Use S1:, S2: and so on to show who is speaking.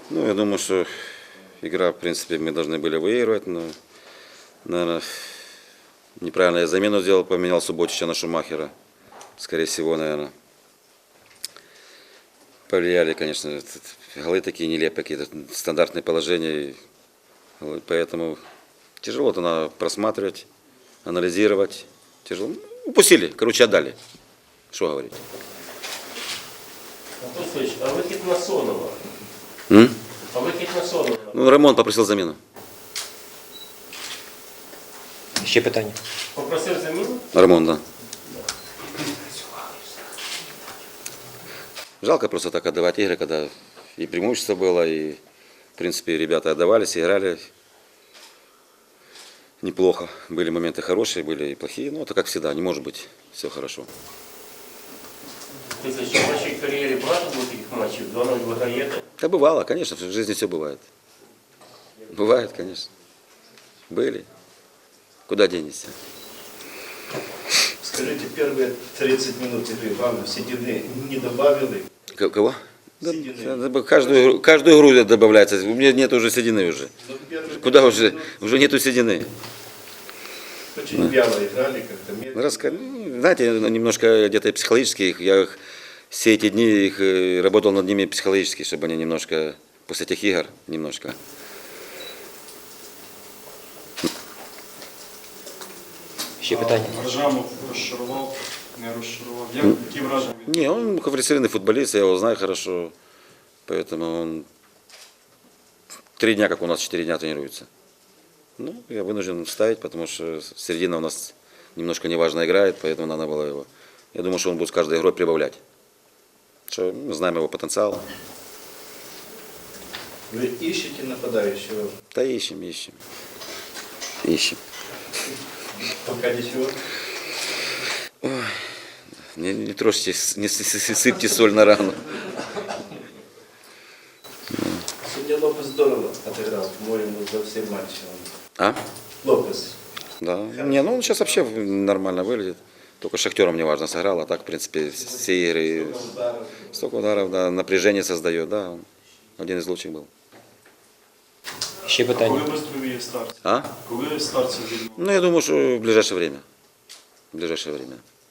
S1: Ну, я думаю, что игра, в принципе, мы должны были выигрывать, но, наверное, неправильно я замену сделал, поменял Субботича на Шумахера. Скорее всего, наверное, повлияли, конечно, голы такие нелепые, какие-то стандартные положения. Поэтому тяжело это надо просматривать, анализировать. Тяжело. Упустили, короче, отдали. Что говорить?
S2: Антон Сергеевич, а вихід на Сонова? А вихід на Сонова?
S1: Ну, Рамон попросил замену.
S3: Ще питання.
S2: Попросив заміну?
S1: Рамон, да. Жалко просто так отдавать игры, когда и преимущество было, и, в принципе, ребята отдавались, играли неплохо. Были моменты хорошие, были и плохие. Но это как всегда, не может быть все хорошо.
S2: Ти що в вашій кар'єрі багато було таких матчів? 2-0 виграєте?
S1: Да бывало, конечно, в жизни все бывает. Бывает, конечно. Были. Куда денешься?
S4: Скажите, первые 30 минут игры вам седины не добавили?
S1: Кого? Да,
S4: Седины.
S1: каждую игру добавляется. У меня нет уже седины уже.
S4: Ну, первые
S1: Куда
S4: 30
S1: уже?
S4: минут
S1: Уже нету седины.
S4: очень вяло играли, как-то медленно.
S1: Ну, знаете, немножко где-то психологически я все эти дни работал над ними психологически, чтобы они немножко после этих игр немножко.
S3: Ще питання.
S5: Ржамов розчарував, не розчарував. Які враження?
S1: Не, он квалифицированный футболист, я его знаю хорошо, поэтому он 3 дня, как у нас 4 дня тренируется. Ну, я вынужден ставить, потому что середина у нас немножко неважно играет, поэтому надо было его. Я думаю, что он будет с каждой игрой прибавлять. Что мы знаем его потенциал.
S4: Вы ищете нападающего?
S1: Да ищем. Ищем.
S4: Пока ничего.
S1: Не трожьте, не сыпьте соль на рану.
S4: Сегодня Лопес здорово отыграл, по-моему, за все матчи.
S1: А?
S4: Лопес.
S1: Да. Не, ну он сейчас вообще нормально выглядит. Только с Шахтером неважно сыграл, а так, в принципе, все игры.
S4: Ударов.
S1: Столько ударов, да, напряжение создает, да. Он один из лучших был.
S3: Ще
S5: Коли
S3: питання.
S5: виступив старт?
S1: А?
S5: Коли старт сьогодні?
S1: Ну, я думаю, что в ближайшее время. В ближайшее время.